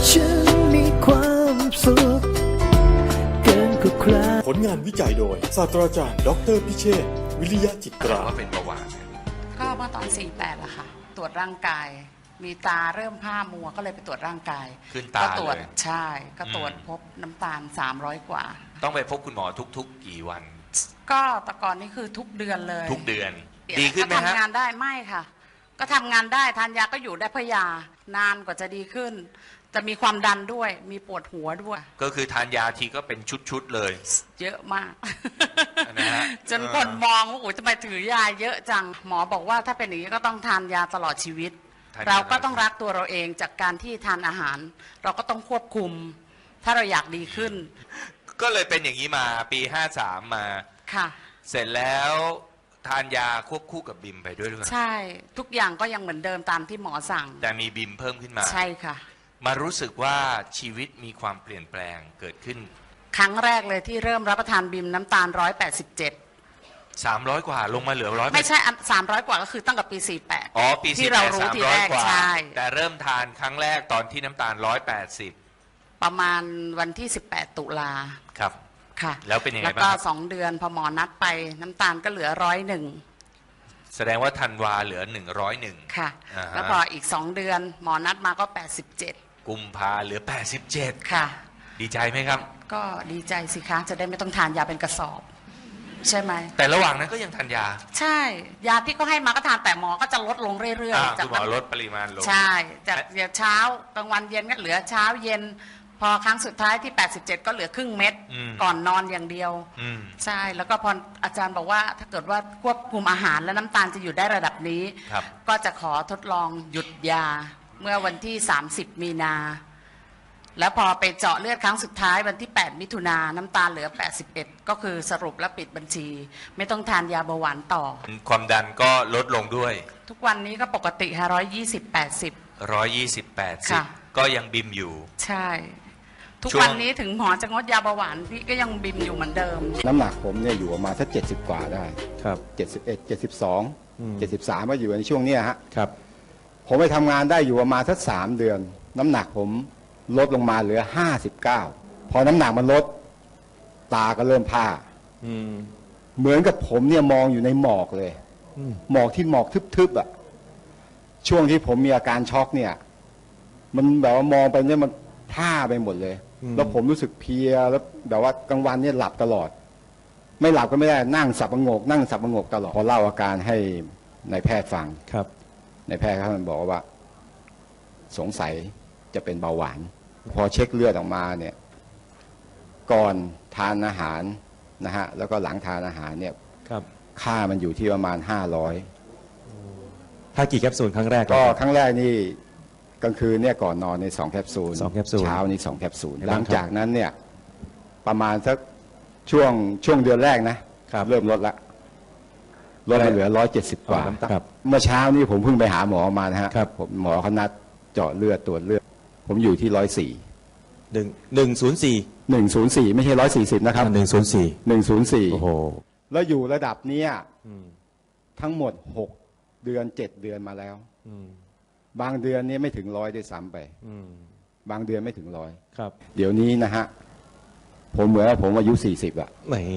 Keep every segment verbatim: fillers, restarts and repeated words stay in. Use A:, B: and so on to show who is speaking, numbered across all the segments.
A: ฉันมีความสุขเกินกว่าใคร
B: ผลงานวิจัยโดยศาสตราจารย์ดรพิเชษฐ์วิริยะจิตรา
C: ว่าเป็นเบาหวาน
D: ก็เมื่อตอนสี่แปดละค่ะตรวจร่างกายมีตาเริ่มผ้ามัวก็เลยไปตรวจร่างกาย
C: ขึ้นตา
D: ก็ตรวจ
C: เลย
D: ใช่ก็ตรวจพบน้ำตาลสามร้อยกว่า
C: ต้องไปพบคุณหมอทุกๆกี่วัน
D: ก็แต่ก่อนนี่คือทุกเดือนเลย
C: ทุกเดือนดีขึ้นไหมฮะ
D: ก็ทำงานได้ไม่ค่ะก็ทำงานได้ทานยาก็อยู่ได้เพราะยานานกว่าจะดีขึ้นจะมีความดันด้วยมีปวดหัวด้วย
C: ก็คือทานยาทีก็เป็นชุดๆเลย
D: เยอะมาก
C: นะฮะ
D: จนคนมองว่าโอ้ยทำไมถือยาเยอะจังหมอบอกว่าถ้าเป็นอย่างนี้ก็ต้องทานยาตลอดชีวิตเราก็ต้องรักตัวเราเองจากการที่ทานอาหารเราก็ต้องควบคุมถ้าเราอยากดีขึ้น
C: ก็เลยเป็นอย่างนี้มาปีห้าสามมา
D: ค่ะ
C: เสร็จแล้วทานยาควบคู่กับบิมไปด้วยหรือเปล่า
D: ใช่ทุกอย่างก็ยังเหมือนเดิมตามที่หมอสั่ง
C: แต่มีบิมเพิ่มขึ้นมา
D: ใช่ค่ะ
C: มารู้สึกว่าชีวิตมีความเปลี่ยนแปลงเกิดขึ้น
D: ครั้งแรกเลยที่เริ่มรับประทานบิมน้ำตาลร้อยแปดสิบเจ็ด
C: สามร้อยกว่าลงมาเหลือร้อย
D: ไม่ใช่สามร้อยกว่าก็คือตั้งแต่ปีสี่แปด
C: อ๋อปี
D: ที่เรารู้ทีแรกใช่
C: แต่เริ่มทานครั้งแรกตอนที่น้ำตาลร้อยแปดสิบ
D: ประมาณวันที่สิบแปดตุลา
C: ครับ
D: ค่ะ
C: แล้วเป็นยังไงบ้าง
D: แล้วก็สองเดือนพอหมอนัดไปน้ำตาลก็เหลือร้อยหนึ่ง
C: แสดงว่าธันวาเหลือหนึ่งร้อยหนึ่ง
D: ค่ะแล้วพออีกสองเดือนหมอนัดมาก็แปดสิบเจ็ด
C: กุมภาเหลือแปดสิบเจ็ด
D: ค่ะ
C: ดีใจไหมครับ
D: ก็ดีใจสิคะจะได้ไม่ต้องทานยาเป็นกระสอบใช่ไหม
C: แต่ระหว่างนั้นก็ยังทานยา
D: ใช่ยาที่เขาให้มาก็ทานแต่หมอก็จะลดลงเรื่อย
C: ๆจากหมอลดปริมาณลง
D: ใช่จากเช้ากลางวันเย็นก็เหลือเช้าเย็นพอครั้งสุดท้ายที่แปดสิบเจ็ดก็เหลือครึ่งเม็ดก่อนนอนอย่างเดียวใช่แล้วก็พออาจารย์บอกว่าถ้าเกิดว่าควบคุมอาหารและน้ำตาลจะอยู่ได้ระดับนี้ก็จะขอทดลองหยุดยาเมื่อวันที่สามสิบมีนาแล้วพอไปเจาะเลือดครั้งสุดท้ายวันที่แปดมิถุนายนน้ำตาลเหลือแปดสิบเอ็ดก็คือสรุปและปิดบัญชีไม่ต้องทานยาเบาหวานต่อ
C: ความดันก็ลดลงด้วย
D: ทุกวันนี้ก็ปกติค่ะร้อยยี่สิบแปดสิบ
C: ร้อยยี่สิบแปดสิบก็ยังบิมอยู่
D: ใช่ทุกวันนี้ถึงหมอจะงดยาเบาหวานพี่ก็ยังบิมอยู่เหมือนเดิม
E: น้ำหนักผมเนี่ยอยู่ประมาณสักเจ็ดสิบกว่าได้
F: ครับ
E: เจ็ดสิบเอ็ดเจ็ดสิบสองเจ็ดสิบสามมาอยู่ในช่วงนี้ฮะ
F: ครับ
E: ผมไปทำงานได้อยู่ประมาณสักสามเดือนน้ำหนักผมลดลงมาเหลือห้าสิบเก้าพอน้ำหนักมันลดตาก็เริ่มผ้าเหมือนกับผมเนี่ยมองอยู่ในหมอกเลยหมอกที่หมอกทึบๆอ่ะช่วงที่ผมมีอาการช็อกเนี่ยมันแบบว่ามองไปเนี่ยมันผ้าไปหมดเลยแล้วผมรู้สึกเพลียแล้วแบบว่ากลางวันเนี่ยหลับตลอดไม่หลับก็ไม่ได้นั่งสับประงกนั่งสับประงกตลอดพอเล่าอาการให้นายแพทย์ฟัง
F: ครับ
E: นายแพทย์เขาบอกว่าสงสัยจะเป็นเบาหวานพอเช็คเลือดออกมาเนี่ยก่อนทานอาหารนะฮะแล้วก็หลังทานอาหารเนี่ย
F: ครับ
E: ค่ามันอยู่ที่ประมาณห้าร้อย
F: ถ้ากี่แคปซูลครั้งแรก
E: ก็ครั้งแรกนี่กลางคืนเนี่ยก่อนนอนในสองแคปซูล
F: สองแคปซูล
E: เช้านี่สองแคปซูลหลังจากนั้นเนี่ยประมาณสักช่วงช่วงเดือนแรกนะเริ่มลดละลดมาเหลือร้อยเจ็ดสิบกว่าเมื่อเช้านี้ผมเพิ่งไปหาหมอมานะฮะผมหมอเขานัดเจาะเลือดตรวจเลือดผมอยู่ที่ร้อยสี่
F: หนึ่งหนึ่งศูนย์สี่
E: หนึ่งศูนย์สี่ไม่ใช่ร้อยสี่สิบนะครับ
F: หนึ่งศูนย์สี่
E: หนึ่งศูนย์สี่
F: โอ้โห
E: แล้วอยู่ระดับเนี้ยทั้งหมดหกเดือนเจ็ดเดือนมาแล้วบางเดือนนี้ไม่ถึงร้อยด้วยซ้ำไปบางเดือนไม่ถึงร้อย
F: ครับ
E: เดี๋ยวนี้นะฮะผมเหมือนว่าผมอายุสี่สิบอะ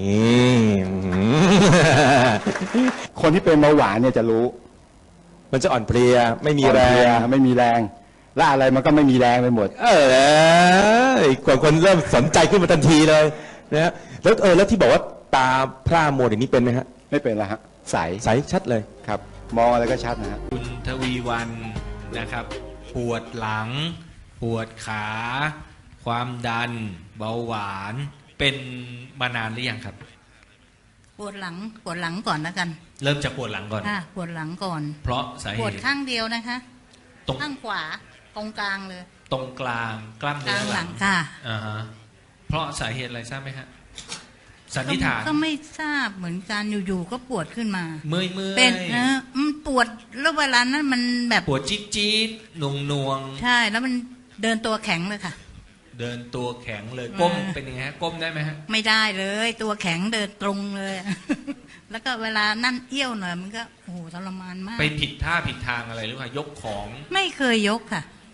E: คนที่เป็นเบาหวานเนี่ยจะรู้
F: มันจะอ่อนเพลียไม่มีแรง
E: ไม่มีแรงและอะไรมันก็ไม่มีแรงไปหมด
F: เออกว่าคนเริ่มสนใจขึ้นมาทันทีเลยนะฮะแล้วเออแล้วที่บอกว่าตาพร่ามัวอย่างนี้เป็นไหมฮะ
E: ไม่เป็นละฮะใส
F: ใสชัดเลย
E: ครับมองอะไรก็ชัดนะฮะ
G: คุณทวีวันนะครับปวดหลังปวดขาความดันเบาหวานเป็นมานานหรือยังครับ
H: ปวดหลังปวดหลังก่อนแล้วกัน
G: เริ่มจากปวดหลังก่อน
H: ค่ะปวดหลังก่อน
G: เพราะสาเหตุ
H: ปวดข้างเดียวนะคะ
G: ตรง
H: ข้างขวาตรงกลางเลย
G: ตรงกลางกล้ามเนื้อ
H: หลังค่ะ
G: อ่าฮะเพราะสาเหตุอะไรทราบไหมฮะสันนิษฐาน
H: ก็ไม่ทราบเหมือนกันอยู่ๆก็ปวดขึ้นมา
G: เมื่อยเมื่อย
H: เป็นนะมันปวดแล้วเวลานั้นมันแบบ
G: ปวดจี๊ดจี๊ดหน่วงหน่วง
H: ใช่แล้วมันเดินตัวแข็งเลยค่ะ
G: เดินตัวแข็งเลยก้มเป็นยังไงฮะก้มได้ไหมฮะ
H: ไม่ได้เลยตัวแข็งเดินตรงเลยแล้วก็เวลานั่นเอี้ยวหน่อยมันก็โอ้โหทรมานมาก
G: ไปผิดท่าผิดทางอะไรหรือเปล่ายกของ
H: ไม่เคยยกค่ะ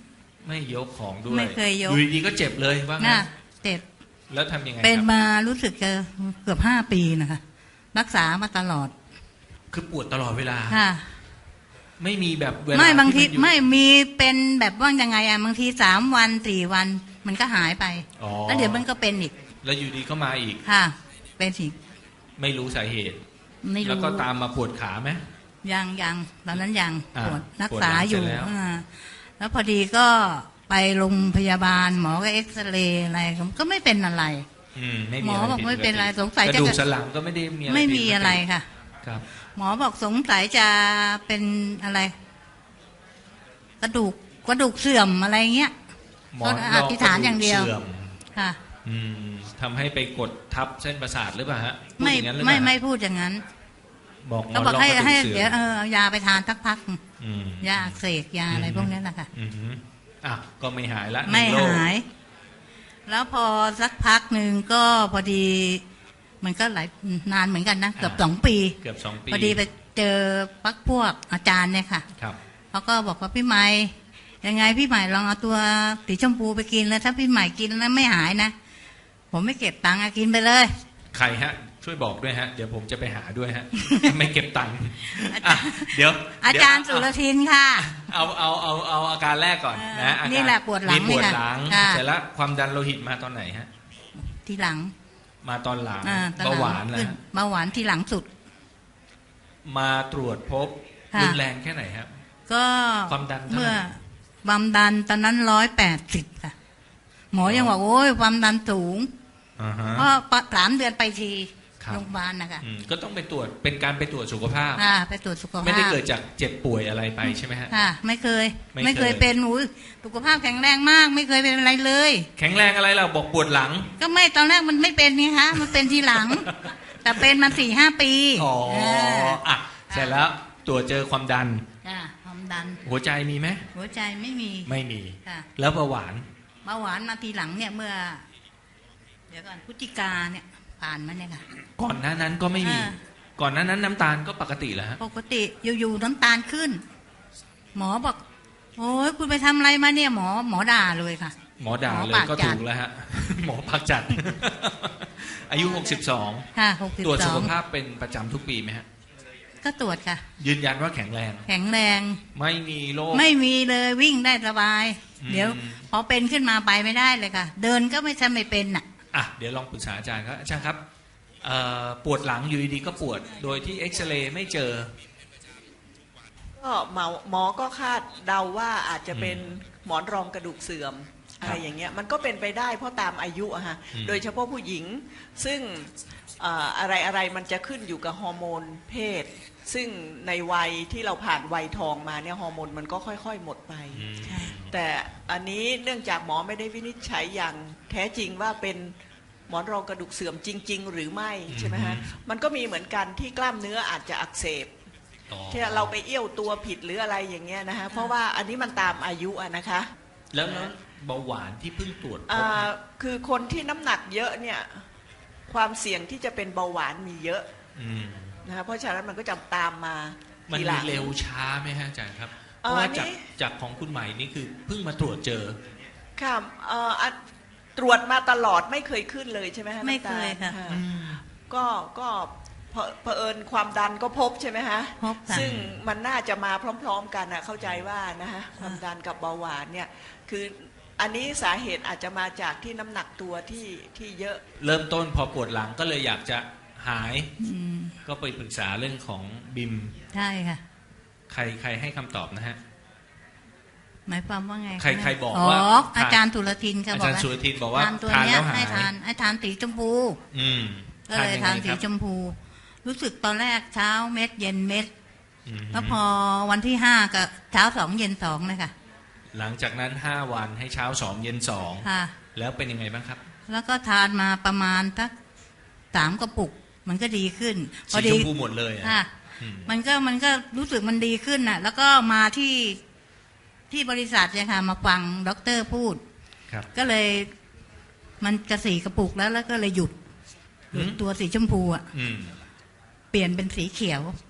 G: ไม่ยกของด้วย
H: ไม่เคยยก
G: อยู่ดีๆก็เจ็บเลยว่างั้
H: น่ะ
G: น
H: เจ็บ
G: แล้วทำยังไง
H: เป็น
G: ครับ
H: มารู้สึกจะเกือบห้าปีนะคะ รักษามาตลอด
G: คือปวดตลอดเวลา
H: ค่ะ
G: ไม่มีแบบเวลา
H: ไม่บางที
G: นอยู่
H: ไม่มีเป็นแบบว่ายังไงอะบางทีสามวันสี่วันมันก็หายไป
G: อ๋อ
H: แล้วเดี๋ยวมันก็เป็นอีก
G: แล้วอยู่ดีก็มาอีก
H: ค่ะ เป็นอีก
G: ไม่รู้สาเหตุ
H: ไม่
G: แล้ว
H: รู้
G: ก็ตามมาปวดขาไหม
H: ยังยังตอนนั้นยัง
G: อ่า
H: ปวดรัก
G: ปวด
H: ษา
G: หลัง
H: อยู่
G: เสร็จแล้ว
H: อ่าแล้วพอดีก็ไปโรงพยาบาลหมอก็เอ็กซเรย์อะไรก็ไม่เป็นอะไร
G: อืมไม่
H: หม
G: มี
H: อ
G: อะไร
H: บอก
G: ผิด
H: ไม่เป็นไร
G: ปกติ
H: สงสัย
G: ก
H: จะ
G: ระดูกสันหลังก็ไม่ได้มีอะไร
H: ไม่
G: ผิด
H: มีอะไรค่ะ
G: ครับ
H: หมอบอกสงสัยจะเป็นอะไร กระดูกกระดูกเสื่อมอะไรเงี้ย
G: หมอ
H: ก็อธิษฐานอย่างเดียว
G: สื่อม
H: ค่ะ
G: อืมทำให้ไปกดทับเส้นประสาทหรือเปล่าฮะพูด
H: ไม่
G: อย่างนั้นหรือเป
H: ไม่
G: ล่า
H: ไม่พูดอย่างนั้น
G: บอกหม
H: ก็
G: อน
H: บอก
G: รอง
H: ให้
G: กระดู
H: ให้
G: กเสื่
H: เดี๋
G: อ
H: ยว
G: ม
H: เออเอายาไปทานสักพัก
G: อืม
H: ยาอักเสกยาอะไรพวกนี้แหละค่ะ
G: อืมอ่ะก็ไม่หายละ
H: ไม่
G: นึ่งโรค
H: หาย แล้วพอสักพักหนึ่งก็พอดี มันก็หลายนานเหมือนกันนะเกือบสองปี
G: เกือบสองปี
H: พอดีไปเจอพักพวกอาจารย์เนี่ยค่ะ
G: ครับ
H: เขาก็บอกว่าพี่ใหม่ยังไงพี่ใหม่ลองเอาตัวสีชมพูไปกินแล้วถ้าพี่ใหม่กินแล้วไม่หายนะผมไม่เก็บตังค์อะกินไปเลย
G: ใครฮะ ช่วยบอกด้วยฮะ เดี๋ยวผมจะไปหาด้วยฮะ ไม่เก็บตังค์อ่ะเดี๋ยว
H: อาจารย์สุรทินค่ะ
G: เอาเอาเอาเอาอาการแรกก่อนนะอาการ
H: นี่แหละปวดหลัง
G: มีปวดหลัง
H: ค่ะ
G: เสร็จแล้วความดันโลหิตมาตอนไหนฮะ
H: ทีหลัง
G: มาตอนหลัง
H: อ่ตอ
G: เบาหวาน
H: ขึ้
G: นะ
H: เบาหวานทีหลังสุด
G: มาตรวจพบ
H: ค่ะ
G: รุนแรงแค่ไหนครับ
H: ก็
G: ความดันเท่าไหร่
H: เมื่อความดันตอนนั้นร้อยแปดสิบค่ะ หมอยังบอกโอ้ยความดันสูง
G: อ่าฮะ
H: เพราะสามเดือนไปที
G: ครับ
H: โรงพยาบาลนะคะ
G: อืมก็ต้องไปตรวจเป็นการไปตรวจสุขภาพ
H: อ่าไปตรวจสุขภาพ
G: ไม่ได้เกิดจากเจ็บป่วยอะไรไปใช่ไหมฮะ
H: ค่ะ ไม่เคย
G: ไม่
H: ไม่
G: เค
H: เค
G: ย
H: ยเป็นอุ้ยสุขภาพแข็งแรงมาก ไม่เคยเป็นอะไรเลย
G: แข็งแรงอะไรเราบอกปวดหลัง
H: ก็ไม่ตอนแรกมันไม่เป็นนี่คะมันเป็นทีหลัง แต่เป็นมาสี่ห้าปี
G: อ๋อ
H: า
G: อ่ะเสร็จแล้วตรวจเจอความดัน
H: จ้ะความดัน
G: หัวใจมีไหม
H: หัวใจไม่มี
G: ไม่มี
H: ค่ะ
G: แล้วเบาหวาน
H: เบาหวานมาทีหลังเนี่ยเมื่อ เดี๋ยวก่อนพฤศจิกาเนี่ย ผ่านมาเนี่ยค่ะ
G: ก่อนหน้านั้นก็ไม่มี
H: อ่า
G: ก่อนหน้านั้นน้ำตาลก็ปกติแล้วฮะ
H: ปกติอยู่ๆน้ำตาลขึ้น หมอบอก โอ้ยคุณไปทำอะไรมาเนี่ย หมอหมอด่าเลยค่ะ
G: หมอด่า
H: หมอ
G: เลย
H: ปาก
G: ก็
H: จั
G: ถู
H: ด
G: กแล้วฮะ หมอพักจัด อายุหกสิบสอง
H: ค่ะหกสิบ
G: ตรวจ
H: ส
G: สุ
H: อ
G: ข
H: ง
G: ภาพเป็นประจำทุกปีไหมฮะ
H: ก็ตรวจค่ะ
G: ยืนยันว่าแข็งแรง
H: แข็งแรง
G: ไม่มีโรค
H: ไม่มีเลยวิ่งได้สบาย
G: อืม
H: เดี๋ยว พอเป็นขึ้นมาไปไม่ได้เลยค่ะ เดินก็ไม่ใช่ไม่เป็นน่ะ
G: อ่ะเดี๋ยวลองปรึกษาอาจารย์ครับอาจารย์ครับเอ่อปวดหลังอยู่ดีๆก็ปวด โดยที่เอ็กซเรย์ไม่เจอ
I: ก็หมอหมอก็คาดเดาว่าอาจจะเป็นหมอนรองกระดูกเสื่อมอะไรอย่างเงี้ยมันก็เป็นไปได้เพราะตามอายุอะฮะ
G: อืม
I: โดยเฉพาะผู้หญิงซึ่งเอ่ออะไรอะไรมันจะขึ้นอยู่กับฮอร์โมนเพศ ซึ่งในวัยที่เราผ่านวัยทองมาเนี่ยฮอร์โมนมันก็ค่อยๆหมดไป
G: อืม
I: แต่อันนี้เนื่องจากหมอไม่ได้วินิจฉัยอย่างแท้จริงว่าเป็นหมอนรองกระดูกเสื่อมจริง ๆ หรือไม่ใช่ไหมฮะมันก็มีเหมือนกันที่กล้ามเนื้ออาจจะอักเสบ
G: อ๋อ
I: ที่เราไปเอี้ยวตัวผิดหรืออะไรอย่างเงี้ยนะฮะเพราะว่าอันนี้มันตามอายุอะนะคะ
G: แล้วแล้วเบาหวานที่เพิ่งตรวจพบ
I: อ่าคือคนที่น้ำหนักเยอะเนี่ยความเสี่ยงที่จะเป็นเบาหวานมีเยอะ
G: อืม
I: นะคะเพราะฉะนั้นมันก็จะตามมา
G: มัน
I: ทีหลั
G: มี
I: ง
G: เร็วช้าไหมฮะอาจารย์ครับ เพ
I: เอ่อ
G: ราะว่า
I: อันนี้
G: จากจากของคุณใหม่นี่คือเพิ่งมาตรวจเจอ
I: ค่ะเอ่ออ่ะตรวจมาตลอดไม่เคยขึ้นเลยใช่ไหมฮะ
H: ไม่
I: น้ำตาล
H: เคยค่ะ
I: อ่าก็ก็เผเผอิญความดันก็พบใช่ไหมฮะ
H: พบค่ะ
I: ซึ่งมันน่าจะมาพร้อม ๆ กันนะเข้าใจว่านะฮะความดันกับเบาหวานเนี่ยคืออันนี้สาเหตุอาจจะมาจากที่น้ำหนักตัวที่ที่เยอะ
G: เริ่มต้นพอปวดหลังก็เลยอยากจะหาย
H: อืม
G: ก็ไปปรึกษาเรื่องของบิม
H: ใช่ค่ะ
G: ใครใครให้คำตอบนะฮะ
H: หมายความว่าไงะ
G: ใครใครบอก
H: อ๋อ
G: ว่า
H: อาจารย์สุรทินค่ะ
G: อา
H: บอ
G: จาร
H: ก
G: ย์
H: ว่า
G: สุรทินบอกว่า
H: ทานตัว
G: ทาน
H: เนี้
G: แล้
H: ยว
G: หา
H: ให้
G: ย
H: ทานให้ทานสีชมพู
G: อืม
H: ก็เลย
G: ยังไง
H: ทานสี
G: ครับ
H: ชมพู รู้สึกตอนแรกเช้าเม็ดเย็นเม็ด
G: อืม
H: แล้วพอวันที่ห้าก็เช้าสองเย็นสองเลยค่ะ
G: หลังจากนั้นห้าวันให้เช้าสองเย็นสอง
H: ค่ะ
G: แล้วเป็นยังไงบ้างครับ
H: แล้วก็ทานมาประมาณสักสามกระปุก มันก็ดีขึ้น พอ
G: สี
H: ดี
G: ชมพูหมดเลยอะ
H: ค่ะ
G: อืม
H: มันก็มันก็รู้สึกมันดีขึ้นน่ะ แล้วก็มาที่ที่บริษัทเนี่ยค่ะ มาฟังด็อกเตอร์พูด
G: ครับ
H: ก็เลย มันจะสีกระปุกแล้วแล้วก็เลยหยุดหยุด
G: อืม
H: ตัวสีชมพูอ่ะ
G: อืม
H: เปลี่ยนเป็นสีเขียว
G: อ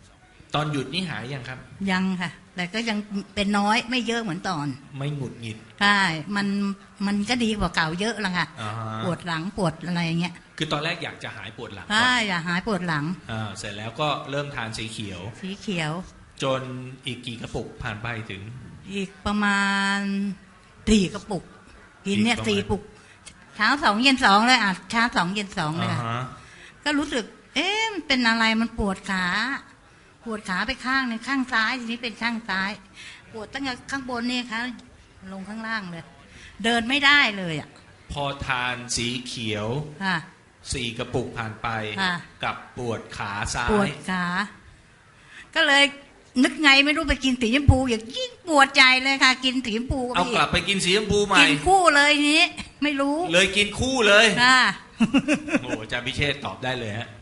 G: ตอนหยุดนี่หายยังครับ
H: ยังค่ะ แต่ก็ยังเป็นน้อยไม่เยอะเหมือนตอน
G: ไม่หงุดหงิด
H: ใช่มันมันก็ดีกว่าเก่าเยอะละค่ะ
G: อ่าฮะ
H: ปวดหลังปวดอะไรอย่างเงี้ย
G: คือตอนแรกอยากจะหายปวดหลังก่อน
H: ใช่อย่าหายปวดหลัง
G: อ่าเสร็จแล้วก็เริ่มทานสีเขียว
H: สีเขียว
G: จนอีกกี่กระปุกผ่านไปถึง
H: อีกประมาณสี่กระปุก กินเนี่ย
G: อีกประมาณ
H: สี่ปุกเช้าสองเย็นสองเลยอ่ะเช้าสองเย็นสองเลย
G: อ่า
H: ค่ะ
G: ฮะ
H: ก็รู้สึก เอ๊ะมันเป็นอะไรมันปวดขาปวดขาไปข้างหนึ่งข้างซ้ายทีนี้เป็นข้างซ้าย ปวดตั้งแต่ข้างบนนี่ค่ะลงข้างล่างเลย เดินไม่ได้เลยอ่ะ
G: พอทานสีเขียว
H: ค่ะ
G: สี่กระปุกผ่านไป
H: ค่ะ
G: กับปวดขาซ้า
H: ปวด
G: ย
H: ขา ก็เลยนึกไงไม่รู้ไปกินสีชมพูอย่างยิ่งปวดใจเลยค่ะ กินสีชมพู
G: เอา
H: พี่
G: กลับไปกินสีชมพูใหม่
H: กินคู่เลยทีนี้ ไม่รู้
G: เลยกินคู่เลย
H: ค่ะ
G: โอ้อาจารย์พิเชษฐ์ตอบได้เลยฮะ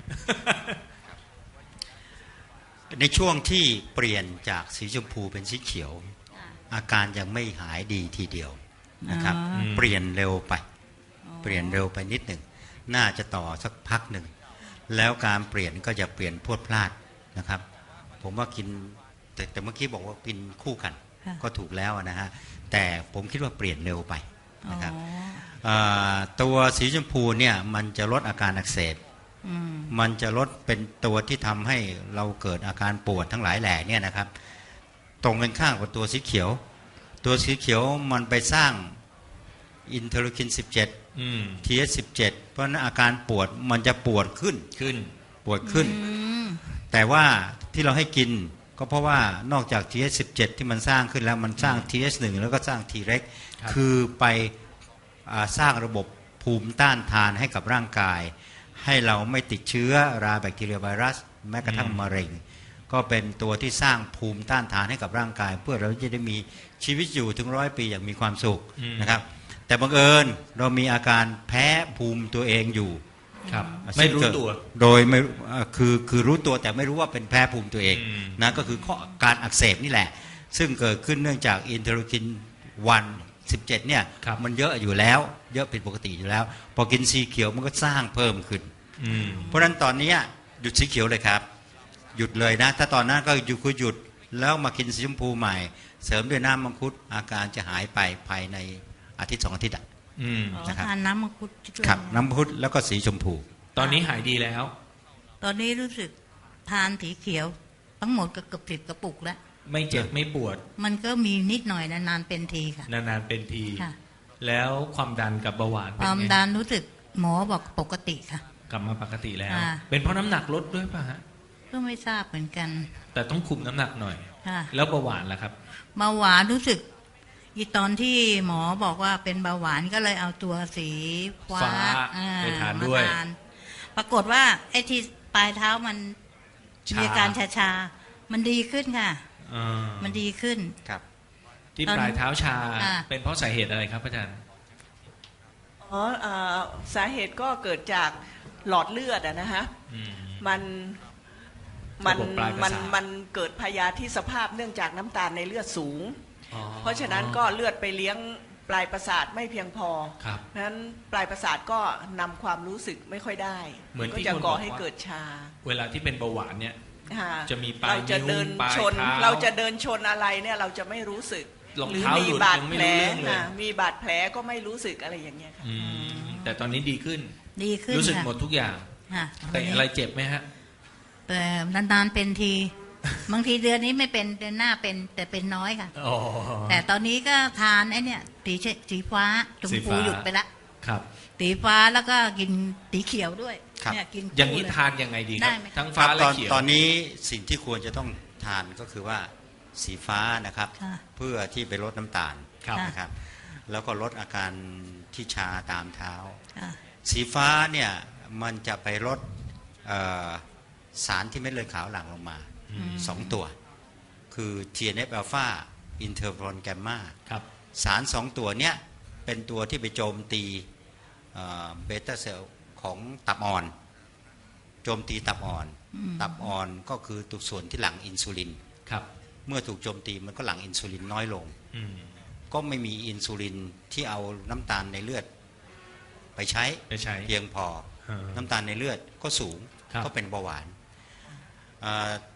J: ในช่วงที่เปลี่ยนจากสีชมพูเป็นสีเขียว อาการยังไม่หายดีทีเดียวนะครับ
H: อ๋อ
J: เปลี่ยนเร็วไป เปลี่ยนเร็วไปนิดหนึ่งน่าจะต่อสักพักหนึ่งแล้วการเปลี่ยนก็จะเปลี่ยนพรวดพลาดนะครับ ผมว่ากินแต่แต่เมื่อกี้บอกว่ากินคู่กัน
H: ค่ะ
J: ก็ถูกแล้วนะฮะแต่ผมคิดว่าเปลี่ยนเร็วไป
H: อ๋อ
J: นะครับอ่าตัวสีชมพูเนี่ยมันจะลดอาการอักเสบ
H: อืม
J: มันจะลดเป็นตัวที่ทำให้เราเกิดอาการปวดทั้งหลายแหล่เนี่ยนะครับ ตรงกันข้ามกับตัวสีเขียว ตัวสีเขียวมันไปสร้างอินเทอร์คิน สิบเจ็ด
G: อืม
J: ที เอส สิบเจ็ด เพราะฉะนั้นอาการปวดมันจะปวดขึ้น
G: ขึ้น
J: ปวดขึ้น
H: อืม
J: แต่ว่าที่เราให้กินก็เพราะว่านอกจาก ที เอส สิบเจ็ด ที่มันสร้างขึ้นแล้วมันสร้าง ที เอส หนึ่ง แล้วก็สร้าง T เร็ก
G: ครับ
J: คือไปอ่าสร้างระบบภูมิต้านทานให้กับร่างกาย ให้เราไม่ติดเชื้อราแบคทีเรียไวรัส แม้กระทั่งมะเร็ง ก็เป็นตัวที่สร้างภูมิต้านทานให้กับร่างกาย เพื่อเราจะได้มีชีวิตอยู่ถึงร้อยปีอย่างมีความสุข
G: อืม
J: นะครับ แต่บังเอิญเรามีอาการแพ้ภูมิตัวเองอยู่
G: ครับ ไม่รู้ตัว
J: โดยไม่เอ่อคือคือรู้ตัวแต่ไม่รู้ว่าเป็นแพ้ภูมิตัวเอง
G: อืม
J: นะก็คือข้อการอักเสบนี่แหละ ซึ่งเกิดขึ้นเนื่องจากอินเทอร์คินวันสิบเจ็ดเนี่ย
G: ครับ
J: มันเยอะอยู่แล้ว เยอะผิดปกติอยู่แล้ว พอกินสีเขียวมันก็สร้างเพิ่มขึ้น
G: อืม
J: เพราะฉะนั้นตอนนี้หยุดสีเขียวเลยครับ หยุดเลยนะ ถ้าตอนนั้นก็หยุดคือหยุดแล้วมากินสีชมพูใหม่ เสริมด้วยน้ำมังคุดอาการจะหายไปภายในอาทิตย์สองอาทิตย์อะ
G: อืม
H: อ๋อ
J: นะครับ
H: ทานน้ำมังคุดด้วย
J: ครับน้ำมังคุดแล้วก็สีชมพู
G: ตอนนี้หายดีแล้ว
H: ตอนนี้รู้สึกทานสีเขียว ทั้งหมดก็เกือบสิบกระปุกแล้ว
G: ไม่เจ็บไม่ปวด
H: มันก็มีนิดหน่อยนานๆเป็นทีค่ะ
G: นานๆเป็นที
H: ค่ะ
G: แล้วความดันกับเบาหวาน
H: ค
G: เป็น
H: วาม
G: ไง
H: ดันรู้สึกหมอบอกปกติค่ะ
G: กลับมาปกติแล้ว
H: ค่ะ
G: เป็นเพราะน้ำหนักลดด้วยป่ะฮะ
H: ก็ไม่ทราบเหมือนกัน
G: แต่ต้องคุมน้ำหนักหน่อย
H: ค่ะ
G: แล้วเบาหวานล่ะครับ
H: เบาหวานรู้สึก อีตอนที่หมอบอกว่าเป็นเบาหวานก็เลยเอาตัวสีฟ้า
G: ฟ้า
H: อ่
G: ไปทานด้วย
H: มทานปรากฏว่าไอ้ที่ปลายเท้ามัน
G: ชา
H: มีอาการชาชาๆมันดีขึ้นค่ะ
G: อ่า
H: มันดีขึ้น
J: ครับ
G: ที่
H: ตอน
G: ปลายเท้าชา
H: อ่า
G: เป็นเพราะสาเหตุอะไรครับอาจารย์
I: อ๋อเอ่อสาเหตุก็เกิดจากหลอดเลือดอะนะฮะ
G: อืม
I: มันมัน
G: ระบบปลายประ
I: มัน
G: สาท
I: มันเกิดพยาธิสภาพเนื่องจากน้ำตาลในเลือดสูง
G: อ๋อ
I: เพราะฉะนั้นก็เลือดไปเลี้ยงปลายประสาทไม่เพียงพอ
G: ครับ
I: เพราะฉะนั้นปลายประสาทก็นำความรู้สึกไม่ค่อยได้
G: เหมือน
I: ก็
G: ที่
I: จะ
G: คน
I: ก่อ
G: บอก
I: ให้
G: ว่า
I: เกิดชา
G: เวลาที่เป็นเบาหวานเนี่ย
I: ค่ะ
G: จะมีปลาย
I: เราจะเดิน
G: นิ้วปลาย
I: ชน
G: เท้า
I: เราจะเดินชนอะไรเนี่ยเราจะไม่รู้สึก
G: รอง
I: หรือ
G: เท้า
I: มี
G: หลุด
I: บาด
G: ยังไม่
I: แผล
G: รู้เรื่องเลย
I: ค่ะมีบาดแผลก็ไม่รู้สึกอะไรอย่างเงี้ยค่ะ
G: อืมแต่ตอนนี้ดีขึ้น
H: ดีขึ้น
G: รู้สึก
H: ค่ะ
G: หมดทุกอย่าง
H: ค่ะ
G: แต่อะไรเจ็บไหมฮะ
H: แต่นานๆเป็นที บางทีเดือนนี้ไม่เป็นเดือนหน้าเป็นแต่เป็นน้อยค่ะ
G: อ๋อ
H: แต่ตอนนี้ก็ทานไอ้เนี่ยสีเชสีฟ้าชม
G: สี
H: พู
G: ฟ้า
H: หยุดไปละ
G: ครับ
H: สีฟ้าแล้วก็กินสีเขียวด้วย
J: ครับ
H: เนี่ยกิน
G: อย่างนี้
H: คู่เล
G: ทานยังไงดีค
H: ได้
G: รับ
H: ไหม
G: ทั้ง
J: ค
G: ฟ้า
J: รับ
G: และ
J: ตอน
G: เขียว
J: ตอนนี้สิ่งที่ควรจะต้องทานก็คือว่าสีฟ้านะครับ
H: ค่ะ
J: เพื่อที่ไปลดน้ำตาล
G: ครับ
J: นะครับ แล้วก็ลดอาการที่ชาตามเท้า
H: ค่ะ
J: สีฟ้าเนี่ยมันจะไปลดเอ่อสารที่เม็ดเลือดขาวหลั่งลงมาสองตัว คือ ที เอ็น เอฟ อลฟา อินเทอร์โฟนแกมมา
G: ครับ
J: สารสองตัวเนี้ยเป็นตัวที่ไปโจมตีเบต้าเซลล์ของตับอ่อน โจมตีตับอ่อน ตับอ่อนก็คือตัวส่วนที่หลั่งอินซูลิน
G: ครับ
J: เมื่อถูกโจมตีมันก็หลั่งอินซูลินน้อยลง
G: อืม
J: ก็ไม่มีอินซูลินที่เอาน้ำตาลในเลือดไปใช้
G: ไปใช้
J: เพียงพอ
G: อ่า
J: น้ำตาลในเลือดก็สูง
G: ครับ
J: ก็เป็นเบาหวานอ่า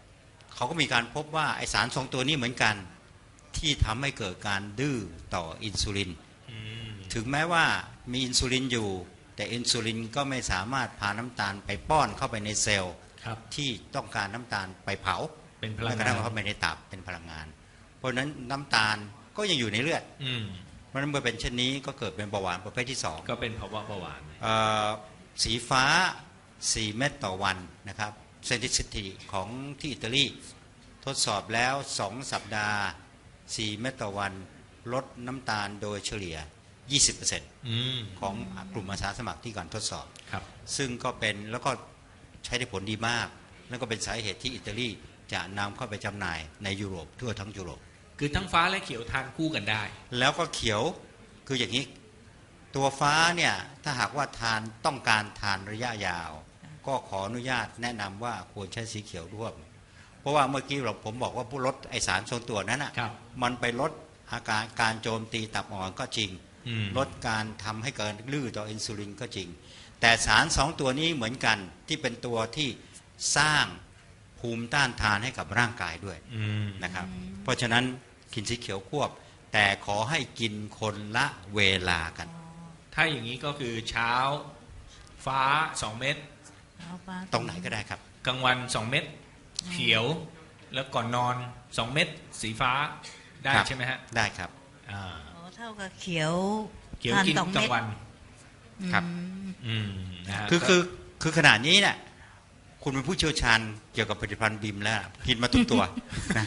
J: เขาก็มีการพบว่าไอสารสองตัวนี้เหมือนกันที่ทำให้เกิดการดื้อต่ออินซูลินถึงแม้ว่ามีอินซูลินอยู่แต่อินซูลินก็ไม่สามารถพาน้ำตาลไปป้อนเข้าไปในเซลล์ที่ต้องการน้ำตาลไปเผา
G: เป็นพลังงาน
J: แล้วก็เข้าไปในตับเป็นพลังงาน เพราะฉะนั้นน้ำตาลก็ยังอยู่ในเลือดเพราะฉะนั้นเมื่อเป็นเช่นนี้ก็เกิดเป็นเบาหวานประเภทที่สอง
G: ก็เป็นภาวะเบาหวาน
J: สีฟ้าสี่เม็ดต่อวันนะครับเซนซิทิของที่อิตาลีทดสอบแล้วสองสัปดาห์สี่เม็ดต่อวันลดน้ำตาลโดยเฉลี่ย ยี่สิบเปอร์เซ็นต์ ของกลุ่มอาสาสมัครที่ก่อนทดสอบซึ่งก็เป็นแล้วก็ใช้ได้ผลดีมากแล้วก็เป็นสาเหตุที่อิตาลีจะนำเข้าไปจำหน่ายในยุโรปทั่วทั้งยุโรป
G: คือทั้งฟ้าและเขียวทานคู่กันได้
J: แล้วก็เขียวคืออย่างนี้ตัวฟ้าเนี่ยถ้าหากว่าทานต้องการทานระยะยาวก็ขออนุญาตแนะนำว่าควรใช้สีเขียวร่วมเพราะว่าเมื่อกี้เราผมบอกว่าผู้ลดไอสารทรงตัวนั้นอ่ะมันไปลดอาการการโจมตีตับอ่อนก็จริงลดการทำให้เกิดลื้อต่ออินซูลินก็จริงแต่สารสองตัวนี้เหมือนกันที่เป็นตัวที่สร้างภูมิต้านทานให้กับร่างกายด้วยนะครับเพราะฉะนั้นกินสีเขียวควบแต่ขอให้กินคนละเวลากัน
G: ถ้าอย่างนี้ก็คือเช้าฟ้าสองเม็ด
J: ตรงไหนก็ได้ครับ
G: กลางวันสองเม็ดเขียวแล้วก่อนนอนสองเม็ดสีฟ้าได้ใช่ไหมฮะ
J: ได้ครับ
H: อ๋อเท่ากับเขียว
G: เขียวกินกลางวัน
J: ครับคือคือคือขนาดนี้เนี่ยคุณเป็นผู้เชี่ยวชาญเกี่ยวกับผลิตภัณฑ์บิมแล้วกินมาทุกตัวนะ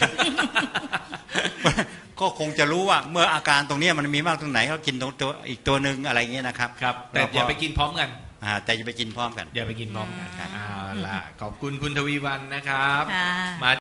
J: ก็คงจะรู้ว่าเมื่ออาการตรงนี้มันมีมากตรงไหนก็กินตรงตัวอีกตัวหนึ่งอะไรเงี้ยนะครับ
G: ครับแต่อย่าไปกินพร้อมกัน
J: แต่อย่าไปกินพร้อมกัน
G: อย่าไปกินพร้อมกันเอาล่ะขอบคุณคุณทวีวรรณนะครับมา